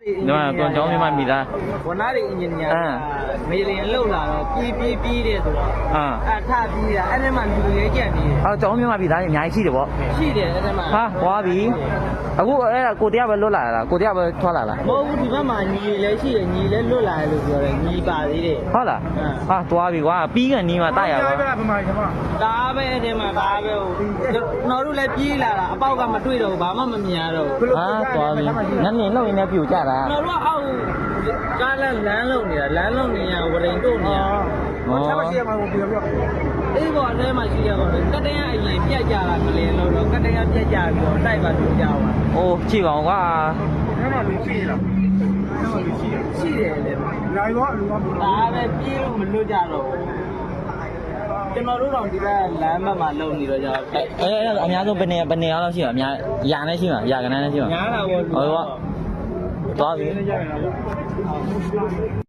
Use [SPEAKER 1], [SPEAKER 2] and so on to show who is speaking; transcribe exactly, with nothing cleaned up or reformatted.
[SPEAKER 1] ဒီမှာကွန်ကျောင်းမြမမိသား
[SPEAKER 2] ဝန်သားတွေအင်ဂျင်နီယာမေလင်လောက်လာတော့ပြီးပြီးပြီးတဲ့ဆိုတော့
[SPEAKER 1] အာ
[SPEAKER 2] အထပြီးတာအဲ့ဒီမှာလူရဲကြံနေတယ်
[SPEAKER 1] အော်ကျောင်းမြမမိသားအများကြီးရှိတယ်ဗော
[SPEAKER 2] ရှိတယ်အဲ့ဒီမှာ
[SPEAKER 1] ဟာသွားပြီအခုအဲ့ဒါကိုတရားပဲလွတ်လာလားကိုတရားပဲထွက်လာလား
[SPEAKER 2] မဟုတ်ဘူးဒီဘက်မှာညီလည်းရှိတယ်ညီလည်းလွတ်လာတယ်လို့ပြောတယ်ညီပါသေးတယ်
[SPEAKER 1] ဟုတ်လားဟာသွားပြီကွာပြီးကန်နီးမှာတိုက်ရပါ
[SPEAKER 2] ဒါပဲအဲ့ဒီမှာဒါပဲဟိုကျွန်တော်တို့လည်းပြေးလာတာအပေါက်ကမတွေ့တော့ဘူးဘာမှမမြင်ရတော့ဘူး
[SPEAKER 1] ဟာသွားပြီနန်းနေလောက်ရင်းနဲ့ပြူကြတာ
[SPEAKER 2] ကျွန်တော်တို့အောက်ကားလမ်းလမ်းလုံးနေတာလမ်းလုံးနေရဝရင်တို့နေရ
[SPEAKER 1] ဟော
[SPEAKER 2] အေးဘောအဲ့မှာရှိရတော့ကတည်းကအရင်ပြက်ကြတာမလင်းလို့တော့ကတည်းကပြက်ကြပြီးတော့တိုက်ပါလို့ကြောက်ပါ
[SPEAKER 1] အိုးကြည့်ပါဦးကွာ
[SPEAKER 2] ရှိတယ်လေလာရောလူကဒါပဲပြေးလို့မလွတ်ကြတော့ဘူးကျွန်တော်တို့တော့ဒီဘက်လမ်းဘက်မှာလုံနေတော့ကြာ
[SPEAKER 1] အဲ့အဲ့အများဆုံးဘယ်နေဘယ်နေအောင်ရှိမှာအများရာနဲ့ရှိမှာရာကနန်းနဲ့ရှိမှာ
[SPEAKER 2] ညားတာပေါ့
[SPEAKER 1] ဟုတ်ကွာသွားပြီ